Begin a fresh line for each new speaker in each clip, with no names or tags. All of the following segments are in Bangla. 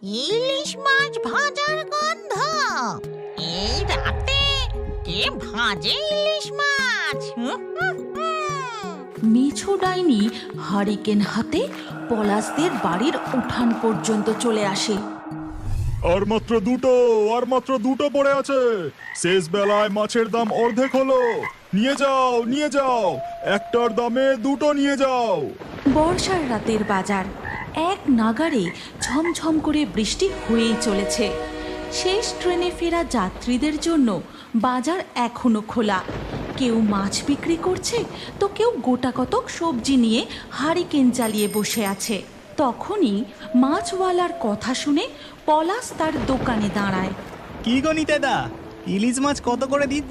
ইলিশ মাছ ভাজার গন্ধ। এই রাতে কে ভাজে ইলিশ মাছ?
মিছু ডাইনি হারিকেন হাতে পলাশদের বাড়ির উঠান পর্যন্ত চলে আসে।
আর মাত্র দুটো পড়ে আছে। শেষ বেলায় মাছের দাম অর্ধেক হলো। নিয়ে যাও, একটার দামে দুটো নিয়ে যাও।
বর্ষার রাতের বাজার, এক নাগাড়ে ঝমঝম করে বৃষ্টি হয়েই চলেছে। শেষ ট্রেনে ফেরা যাত্রীদের জন্য বাজার এখনো খোলা। কেউ মাছ বিক্রি করছে, তো কেউ গোটাকতক সবজি নিয়ে হারিকেন জ্বালিয়ে বসে আছে। তখনই মাছওয়ালার কথা শুনে পলাশ তার দোকানে দাঁড়ায়।
কি গো নিতেদা, ইলিশ মাছ কত করে দিচ্ছ?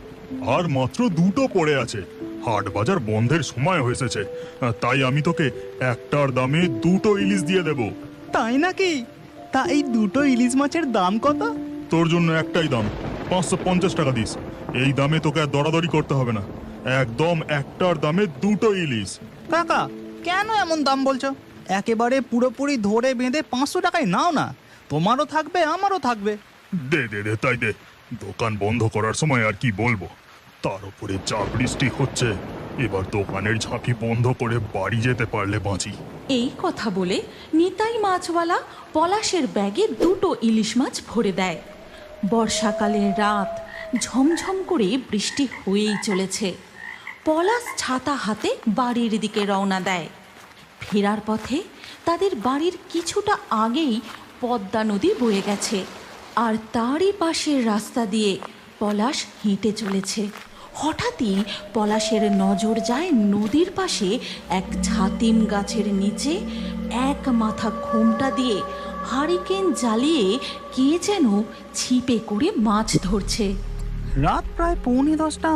আর মাত্র দুটো পড়ে আছে। হাট বাজার বন্ধের সময় হয়েছে, তাই আমি তোকে একটার দামে দুটো ইলিশ দিয়ে দেব।
তাই নাকি? তা এই দুটো ইলিশ মাছের দাম কত?
তোর জন্য একটাই দাম, 550 টাকা দিস। এই দামে তোকে আর দরাদরি করতে হবে না। একদম একটার দামে দুটো ইলিশ।
কাকা, কেন এমন দাম বলছো? একেবারে পুরোপুরি ধরে বেঁধে 500 টাকায় নাও না, তোমারও থাকবে আমারও থাকবে।
দে তাই দে। দোকান বন্ধ করার সময় আর কি বলবো, তার উপরে যা বৃষ্টি হচ্ছে, এবার দোকানের ঝাঁপি বন্ধ করে বাড়ি যেতে পারলে বাঁচি।
এই কথা বলে নিতাই মাছওয়ালা পলাশের ব্যাগে দুটো ইলিশ মাছ ভরে দেয়। বর্ষাকালের রাত, ঝমঝম করে বৃষ্টি হয়েই চলেছে। পলাশ ছাতা হাতে বাড়ির দিকে রওনা দেয়। ফেরার পথে তাদের বাড়ির কিছুটা আগেই পদ্মা নদী বয়ে গেছে, আর তারই পাশের রাস্তা দিয়ে পলাশ হেঁটে চলেছে। হঠাৎই পলাশের নজর যায় নদীর পাশে এক ছাতিম গাছের নিচে এক মাথা ঘোমটা দিয়ে হারিকেন জ্বালিয়ে কে যেন ছিপে করে মাছ ধরছে।
রাত প্রায় 9:45,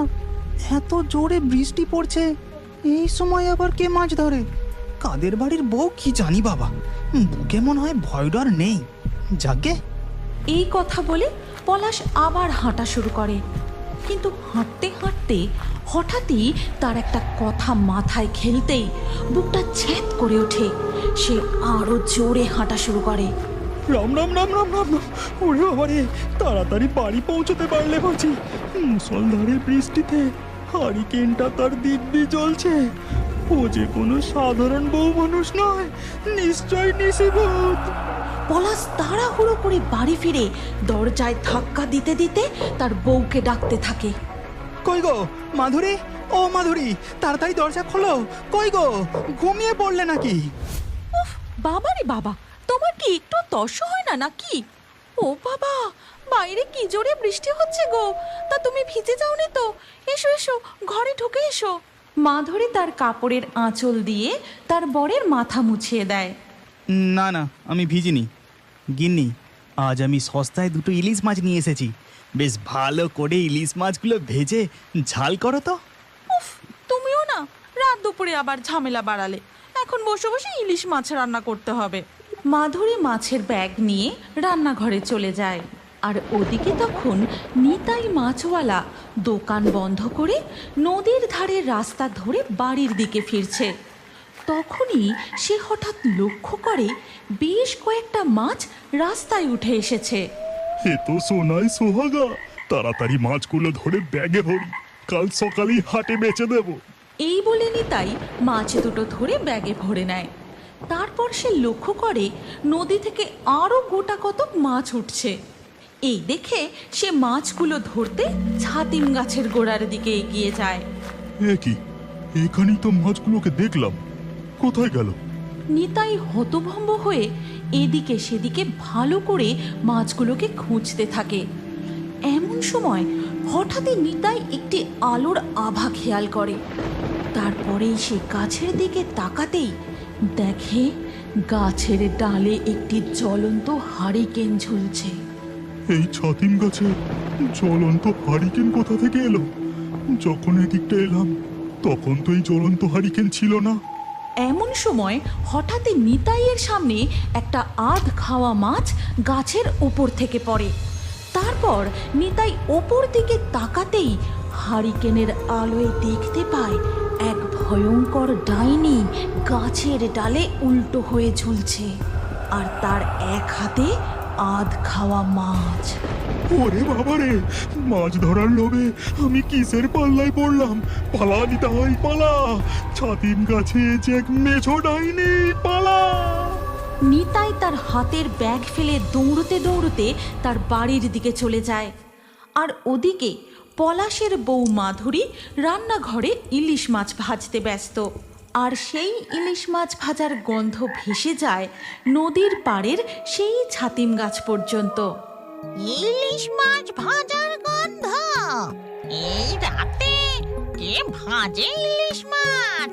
এত জোরে বৃষ্টি পড়ছে, এই সময় আবার কে মাছ ধরে? কাদের বাড়ির বউ কি জানি বাবা, বুকে মনে হয় ভয় ডর নেই। যাকে
এই কথা বলে পলাশ আবার হাঁটা শুরু করে, কিন্তু হাঁটতে হাঁটতে হঠাৎই তার একটা কথা মাথায় খেলতেই বুকটা ছ্যাঁত করে ওঠে। সে আরো জোরে হাঁটা শুরু করে।
রাম রাম রাম রাম রাম রাম, ওরে বাবারে, তাড়াতাড়ি বাড়ি পৌঁছতে পারলে বাঁচি। মুষলধারে বৃষ্টিতে হারিকেনটা তার দিব্যি জ্বলছে। ও যে কোনো সাধারণ বউ মানুষ নয়, নিশ্চয় নিশিভূত।
পলাশ তাড়াহুড়ো করে বাড়ি ফিরে দরজায় ধাক্কা দিতে দিতে তার বউকে ডাকতে থাকে।
কই গো মাধুরী, ও মাধুরী, তাড়াতাড়ি দরজা খোলো। কই গো, ঘুমিয়ে পড়লে নাকি?
উফ, বাবা রে বাবা, তোমার কি একটু তর্স হয় না নাকি? ও বাবা, বাইরে কি জোরে বৃষ্টি হচ্ছে গো, তা তুমি ভিজে যাওনি তো? এসো এসো, ঘরে ঢুকে এসো। মাধুরী তার কাপড়ের আঁচল দিয়ে তার বরের মাথা মুছিয়ে দেয়।
না না, আমি ভিজিনি। গিন্নি, আজ আমি সস্তায় দুটো ইলিশ মাছ নিয়ে এসেছি। বেশ ভালো করে ইলিশ মাছগুলো ভেজে ঝাল করো তো।
উফ, তুমিও না রাত দুপুরে আবার ঝামেলা বাড়ালে। এখন বসে বসে ইলিশ মাছ রান্না করতে হবে। মাধুরী মাছের ব্যাগ নিয়ে রান্নাঘরে চলে যায়, আর ওদিকে তখন নিতাই মাছওয়ালা দোকান বন্ধ করে নদীর ধারের রাস্তা ধরে বাড়ির দিকে ফিরছে। তখনই সে হঠাৎ লক্ষ্য করে বেশ কয়েকটা মাছ রাস্তায় উঠে এসেছে।
এ তো সোনাই সোহাগা, তাড়াতাড়ি মাছগুলো ধরে ব্যাগে ভরি, কাল সকালেই হাটে বেচে দেব।
এই বলে নিতাই মাছ দুটো ধরে ব্যাগে ভরে নেয়। তারপর সে লক্ষ্য করে নদী থেকে আরও গোটা কতক মাছ উঠছে। এই দেখে সে মাছগুলো ধরতে ছাতিম গাছের গোড়ার দিকে এগিয়ে যায়।
এ কি, এখানেই তো মাছগুলোকে দেখলাম, কোথায় গেল?
নিতাই হতভম্ব হয়ে এদিকে সেদিকে ভালো করে মাছগুলোকে খুঁজতে থাকে। এমন সময় হঠাৎই নিতাই একটি আলোর আভা খেয়াল করে। তারপরেই সে গাছের দিকে তাকাতেই দেখে গাছের ডালে একটি জ্বলন্ত হারিকেন ঝুলছে।
এই ছাতিম গাছে জ্বলন্ত হারিকেন কোথা থেকে এলো? যখন এদিকটা এলাম তখন তো এই জ্বলন্ত হারিকেন ছিল না।
এমন সময় হঠাৎই নিতাইয়ের সামনে একটা আধ খাওয়া মাছ গাছের ওপর থেকে পড়ে। তারপর নিতাই ওপর দিকে তাকাতেই হারিকেনের আলোয় দেখতে পায় এক ভয়ঙ্কর ডাইনি গাছের ডালে উল্টো হয়ে ঝুলছে। আর তার এক হাতে আধ খাওয়া মাছ।
ওরে বাবারে, মাছ ধরার লোভে আমি কিসের পাল্লায় পড়লাম! পালা নিতাই পালা, ছাতিম গাছে যে এক মেছো ডাইনি, পালা!
নিতাই তার হাতের ব্যাগ ফেলে দৌড়তে দৌড়তে তার বাড়ির দিকে চলে যায়। আর ওদিকে পলাশের বউ মাধুরী রান্নাঘরে ইলিশ মাছ ভাজতে ব্যস্ত। আর সেই ইলিশ মাছ ভাজার গন্ধ ভেসে যায় নদীর পাড়ের সেই ছাতিম গাছ পর্যন্ত।
ইলিশ মাছ ভাজার গন্ধ! এই রাতে কে ভাজে ইলিশ মাছ?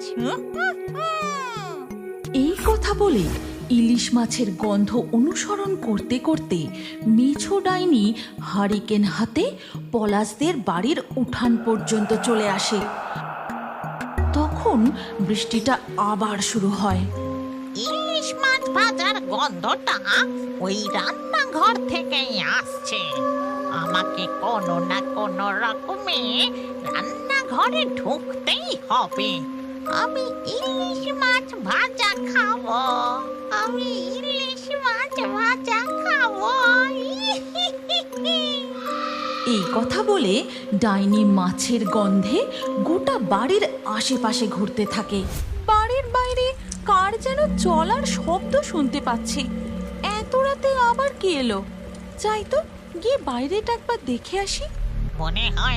এই কথা বলে ইলিশ মাছের গন্ধ অনুসরণ করতে করতে মেছো ডাইনি হারিকেন হাতে পলাশদের বাড়ির উঠান পর্যন্ত চলে আসে। তখন বৃষ্টিটা আবার শুরু হয়।
ইলিশ মাছ ভাজার গন্ধটা ওই রান্নাঘর থেকেই আসছে। আমাকে কোনো না কোনো রকমে রান্নাঘরে ঢুকতেই হবে। আমি ইলিশ মাছ ভাজা খাবো। আমি ইলিশ মাছ ভাজা খাবো।
এই কথা বলে ডাইনি মাছের গন্ধে গোটা বাড়ির আশেপাশে ঘুরতে থাকে। বাড়ির বাইরে কার যেন চলার শব্দ শুনতে পাচ্ছি। এত রাতে আবার কে এলো? যাই তো, গিয়ে বাইরেটা একবার দেখে আসি।
মনে হয়